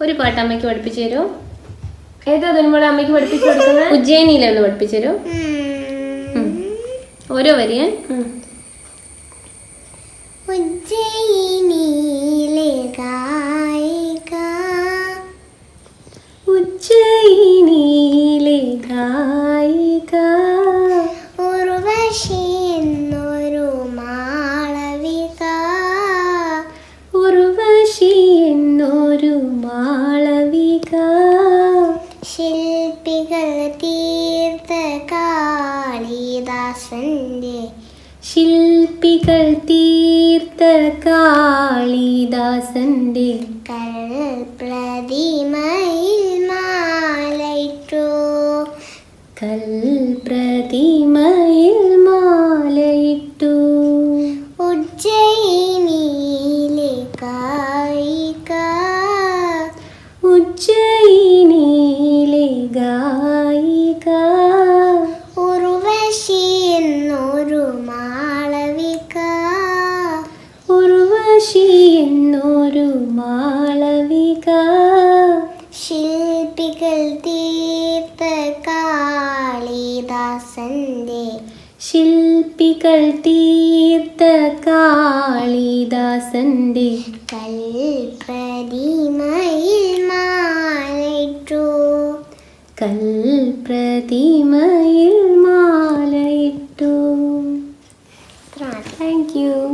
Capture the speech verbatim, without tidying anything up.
ഒരു പാട്ട് അമ്മയ്ക്ക് പഠിപ്പിച്ചു തരുമോ? ഏതാ തന്മോളെ അമ്മയ്ക്ക് പഠിപ്പിച്ചു കൊടുക്കുന്നത്? ഉജ്ജയിനിയിലൊന്ന് പഠിപ്പിച്ചു തരുമോ? ഓരോ വരിയേ. ഉജ്ജയിനിയിലെ ഗായിക, ഉജ്ജയിനിയിലെ ഗായിക, ഉർവശി എന്നൊരു മാളവിക, ഉർവശി എന്നൊരു മാളവിക, ശില്പികൾ തീർത്ത കാളിദാസന്റെ, ശില്പികൾ തീർത്ത കാളിദാസന്റെ കൽപ്രതിമയിൽ മാലയിട്ടു, കൽപ്രതിമയിൽ മാലയിട്ടു. ഉജ്ജയിനിയിലെ ഗായിക, ഉജ്ജയിനിയിലെ ഗായിക, ഉർവശി എന്നൊരു മാളവിക, ഉർവശി എന്നൊരു മാളവിക, ശില്പികൾ തീർത്ത കാളിദാസന്റെ, ശില്പികൾ തീർത്ത കാളിദാസന്റെ കൽപ്രതിമയിൽ മാലയിട്ടു, കൽപ്രതിമയിൽ മാലയിട്ടു. Thank you.